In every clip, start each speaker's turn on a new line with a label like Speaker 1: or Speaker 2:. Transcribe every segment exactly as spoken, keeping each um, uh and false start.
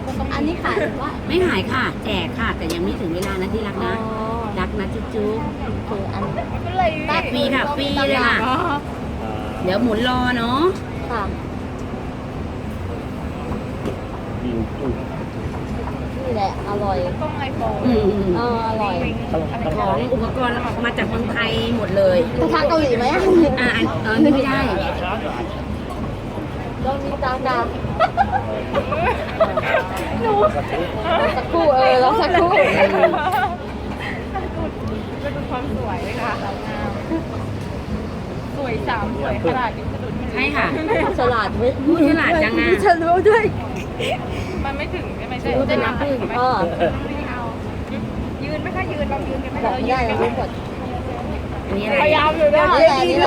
Speaker 1: อันนี้ขายหรือว่า
Speaker 2: ไม่หายค่ะ แจกค่ะ แต่ยังไม่ถึงเวลานะที่รักนะ รักนะจุ๊บจุ๊บ
Speaker 1: คืออัน
Speaker 2: แจกฟรีค่ะฟรีเลยค่ะ เดี๋ยวหมุนรอเนาะ
Speaker 1: ค่ะ นี่แหละ อร่อย
Speaker 2: อืม
Speaker 1: เอออร่อย
Speaker 2: ของอุปกรณ์มาจากเมืองไทยหมดเลย
Speaker 1: กระทะเกาหลีไหม
Speaker 2: อ่าอันเออนี่ไม่ได้
Speaker 1: เรามีตามดาวหนูสักครู่เออเราสักครู่
Speaker 3: ก็ดูความสวยค่ะสาวงามสวยสามสวยขนาดนี้สะดุด
Speaker 2: ใช่ค่ะ
Speaker 1: ฉลาดเว้ย
Speaker 2: พูดฉลาดจังอะ
Speaker 1: ฉันรู้ด้วย
Speaker 3: มันไม่ถึงใช่ไหมใช่
Speaker 2: รู้แต่
Speaker 3: ไหม
Speaker 2: น้ำผึ้ง
Speaker 1: เออ
Speaker 3: ไม่เอายืนไหมคะยืนเรายืนกันไหม
Speaker 1: บอกไม่ได้เรารู้หมด
Speaker 2: อันนี้อะไร
Speaker 3: พยายามอยู่นะ
Speaker 1: นี่แหละนี่แหละ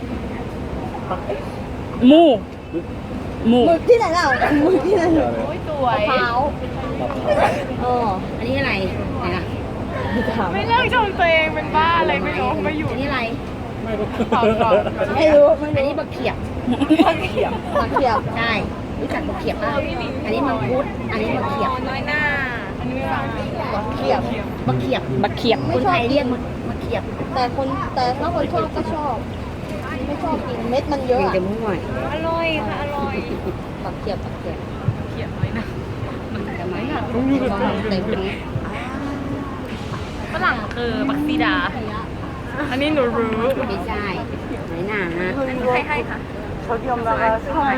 Speaker 2: หมูหมู
Speaker 1: หมึกที่ไหนเล่าหมึกที่ไหน
Speaker 3: โอ้ยสวย
Speaker 1: มะพร้าวเออ
Speaker 2: อันนี้อะไรไหนล่ะ
Speaker 3: ไม่เลิกชมตัวเองเป็นบ้าอะไรไม่รู้ไม่อยู่
Speaker 2: อันนี้อะไร
Speaker 3: ขอบคุณ
Speaker 1: ไม่รู้ไม่
Speaker 2: อัน
Speaker 1: รู้
Speaker 2: นี้บักเขียบ
Speaker 3: เขียบ
Speaker 1: ผักเขียบ
Speaker 2: ใช่รู้จักบักเขียบป่ะอันนี้มังคุดอันนี้บักเขียบ
Speaker 3: น้อยหน้าอันนี้ไม่ฟัง
Speaker 1: ผักเขียบ
Speaker 2: บักเขียบบักเขียบคนไทยเรียกบักเขียบ
Speaker 1: แต่คนแต่ถ้าคนชอบก็ชอบ ไม่ชอบกินเม็ดมันเยอะ
Speaker 2: เป็น
Speaker 1: อะ
Speaker 2: จะมั่ว
Speaker 3: อร่อยค่ะอร่อย
Speaker 1: ผักเขียบผักเขียบ
Speaker 3: เขียบน้อยหน้า
Speaker 2: แต่ไม่ค่ะก็เต็มนี้
Speaker 3: ฝรั่งคือบักซีดา อันนี้หนูรู้
Speaker 2: ไม่ใช่ไหนหนา
Speaker 3: อันนี้ใครให้คะเขายอมรับใช่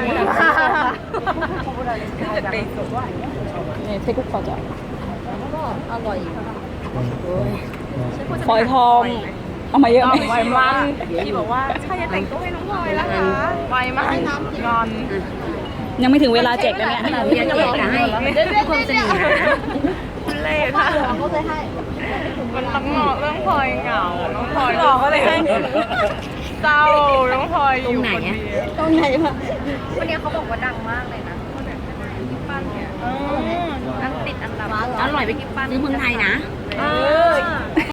Speaker 3: จะเป็นสุดว่า
Speaker 4: 네, 태국 과자.
Speaker 1: ก็อร่อย
Speaker 4: ฝอยทองเอามาเยอะไหม
Speaker 3: ไวมันพี่บอกว่าใช่จะแต่งตัวให้น้องพลอยแล้วคะไวมากงอน
Speaker 4: ยังไม่ถึงเวลาแจกนะเนี่ย
Speaker 2: เรียนเอกจะให้ความสนิทนะ
Speaker 3: คุณเล่ค่ะ
Speaker 1: เราก็เลยให้
Speaker 3: มันต้องเหมาะเรื่องพลอยเหงา น้องพลอยหลอกก็เลยให้เศร้า น้องพลอยอยู่คนเดียว
Speaker 1: ตรงไหนวะ
Speaker 3: วันนี้เขาบอกว่าดังมากเลยนะคนแบบกิ๊บปั้นเนี่ยนั่งติดอันดับ
Speaker 2: อร่อยไปซื้อเมืองไทยนะ
Speaker 3: เออ